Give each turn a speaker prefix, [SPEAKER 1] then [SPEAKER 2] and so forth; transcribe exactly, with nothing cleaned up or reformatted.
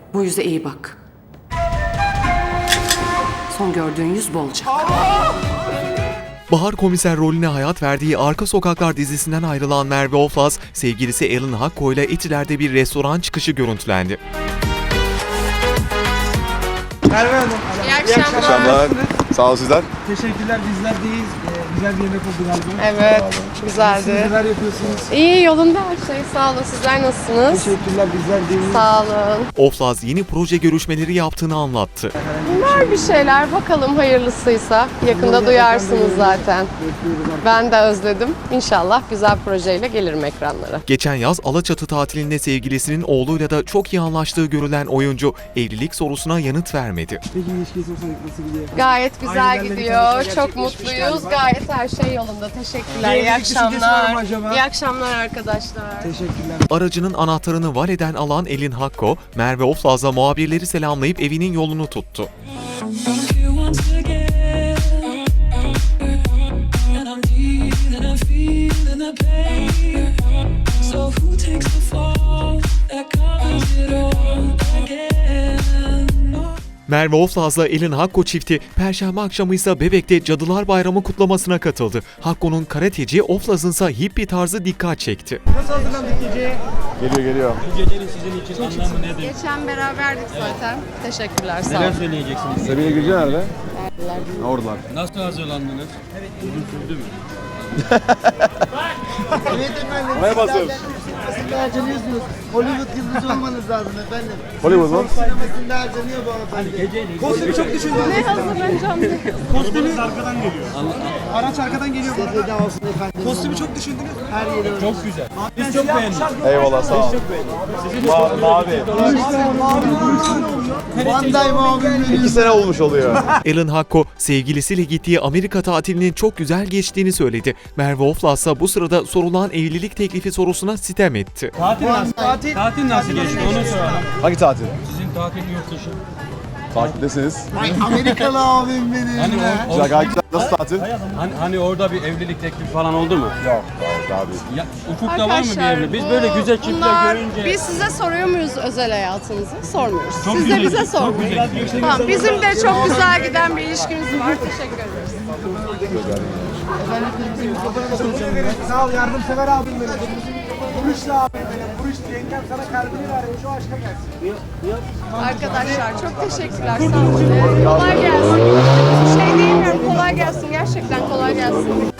[SPEAKER 1] Bu yüze iyi bak. Son gördüğün yüz bolca.
[SPEAKER 2] Bahar komiser rolüne hayat verdiği Arka Sokaklar dizisinden ayrılan Merve Oflaz, sevgilisi Ellen Hakko ile Etiler'de bir restoran çıkışı görüntülendi.
[SPEAKER 3] Merve Hanım.
[SPEAKER 4] İyi akşamlar.
[SPEAKER 5] Akşamlar. Sağ olun sizler.
[SPEAKER 3] Teşekkürler, bizlerdeyiz. Ee, güzel bir yemek oldu galiba.
[SPEAKER 4] Evet,
[SPEAKER 3] Siz
[SPEAKER 4] güzeldi.
[SPEAKER 3] neler yapıyorsunuz?
[SPEAKER 4] İyi, yolunda her şey. Sağ olun. Sizler nasılsınız?
[SPEAKER 3] Teşekkürler, bizler deyiz.
[SPEAKER 4] Sağ olun.
[SPEAKER 2] Oflaz yeni proje görüşmeleri yaptığını anlattı.
[SPEAKER 4] Var bir şeyler. Bakalım hayırlısıysa. Yakında duyarsınız zaten. Ben de özledim. İnşallah güzel projeyle gelirim ekranlara.
[SPEAKER 2] Geçen yaz Alaçatı tatilinde sevgilisinin oğluyla da çok iyi anlaştığı görülen oyuncu evlilik sorusuna yanıt vermedi.
[SPEAKER 3] Peki ilişkisi nasıl gidiyor?
[SPEAKER 4] Gayet güzel
[SPEAKER 3] Ailelerle bir
[SPEAKER 4] gidiyor.
[SPEAKER 3] tanışma
[SPEAKER 4] Çok
[SPEAKER 3] gerçekleşmiş
[SPEAKER 4] mutluyuz.
[SPEAKER 3] galiba.
[SPEAKER 4] Gayet her şey yolunda. Teşekkürler.
[SPEAKER 3] Bir
[SPEAKER 4] İyi
[SPEAKER 3] evlilik düşüncesi var mı
[SPEAKER 4] akşamlar.
[SPEAKER 3] acaba?
[SPEAKER 4] İyi akşamlar arkadaşlar.
[SPEAKER 3] Teşekkürler.
[SPEAKER 2] Aracının anahtarını valeden alan Ellen Hakko, Merve Oflaz'la muhabirleri selamlayıp evinin yolunu tuttu. Merve Oflaz'la Ellen Hakko çifti Perşembe akşamı ise Bebek'te Cadılar Bayramı kutlamasına katıldı. Hakko'nun karateci, Oflaz'ın ise hippie tarzı dikkat çekti.
[SPEAKER 3] Nasıl hazırlandık geceye?
[SPEAKER 5] Geliyor geliyor.
[SPEAKER 6] Gecenin sizin için anlamı nedir?
[SPEAKER 4] Geçen beraberdik zaten. Teşekkürler. Sağ
[SPEAKER 6] Neler
[SPEAKER 4] olun.
[SPEAKER 6] söyleyeceksiniz?
[SPEAKER 5] Sevgili Gülce nerede? Oradalar.
[SPEAKER 6] Nasıl hazırlandınız? Uzun sürdü mü?
[SPEAKER 7] Evet efendim.
[SPEAKER 5] Oraya basıyoruz.
[SPEAKER 7] Sinemasında harcanıyorsunuz. Hollywood yıldızı olmanız lazım efendim.
[SPEAKER 5] Hollywood mu?
[SPEAKER 7] Sinemasında harcanıyor bu hanımefendi.
[SPEAKER 3] Kostümü çok düşündünüz.
[SPEAKER 4] Ne hazırlanacağım diye.
[SPEAKER 3] Kostümü arkadan geliyor. Araç arkadan geliyor.
[SPEAKER 7] Feda olsun efendim.
[SPEAKER 3] Kostümü çok düşündünüz.
[SPEAKER 7] Her yeri
[SPEAKER 6] Çok güzel. Biz çok beğendik.
[SPEAKER 5] Eyvallah sağ ol. Ma- mavi.
[SPEAKER 7] Bandai muavinleri.
[SPEAKER 5] İki sene olmuş oluyor.
[SPEAKER 2] Ellen Hakko, sevgilisiyle gittiği Amerika tatilinin çok güzel geçtiğini söyledi. Merve Oflaz ise bu sırada sorulan evlilik teklifi sorusuna sitem etti.
[SPEAKER 6] Tatil nasıl?
[SPEAKER 3] Tatil.
[SPEAKER 6] Tatil nasıl geçti onu soralım.
[SPEAKER 5] Hangi tatil?
[SPEAKER 6] Sizin tatil yurt dışı.
[SPEAKER 5] Takiptesiniz.
[SPEAKER 7] Ay Amerikalı abim benim.
[SPEAKER 6] Hani,
[SPEAKER 7] ya.
[SPEAKER 6] o, o-
[SPEAKER 5] Güzel gayet güzel. Nasıl tatil?
[SPEAKER 6] hani, hani orada bir evlilik teklifi falan oldu mu?
[SPEAKER 5] Yok. Gayet abi.
[SPEAKER 6] Ya, ufukta var mı bir evlilik? Biz
[SPEAKER 4] bu-
[SPEAKER 6] böyle güzel çiftler
[SPEAKER 4] bunlar-
[SPEAKER 6] görünce...
[SPEAKER 4] Biz size soruyor muyuz özel hayatınızı? Sormuyoruz.
[SPEAKER 6] Çok
[SPEAKER 4] Siz de
[SPEAKER 6] güzel,
[SPEAKER 4] bize
[SPEAKER 6] çok
[SPEAKER 4] sormuyorsunuz.
[SPEAKER 6] güzel.
[SPEAKER 4] Tamam, bizim de çok güzel giden bir ilişkimiz var. Teşekkür ederiz.
[SPEAKER 3] Sağ ol, yardımsever abim benim. Buruşlu abim benim. Buruş yengem sana kalbini vermiş, o aşka gelsin.
[SPEAKER 4] Arkadaşlar çok teşekkürler. Sağ olun. Kolay gelsin. Bir şey diyemiyorum. Kolay gelsin. Gerçekten kolay gelsin.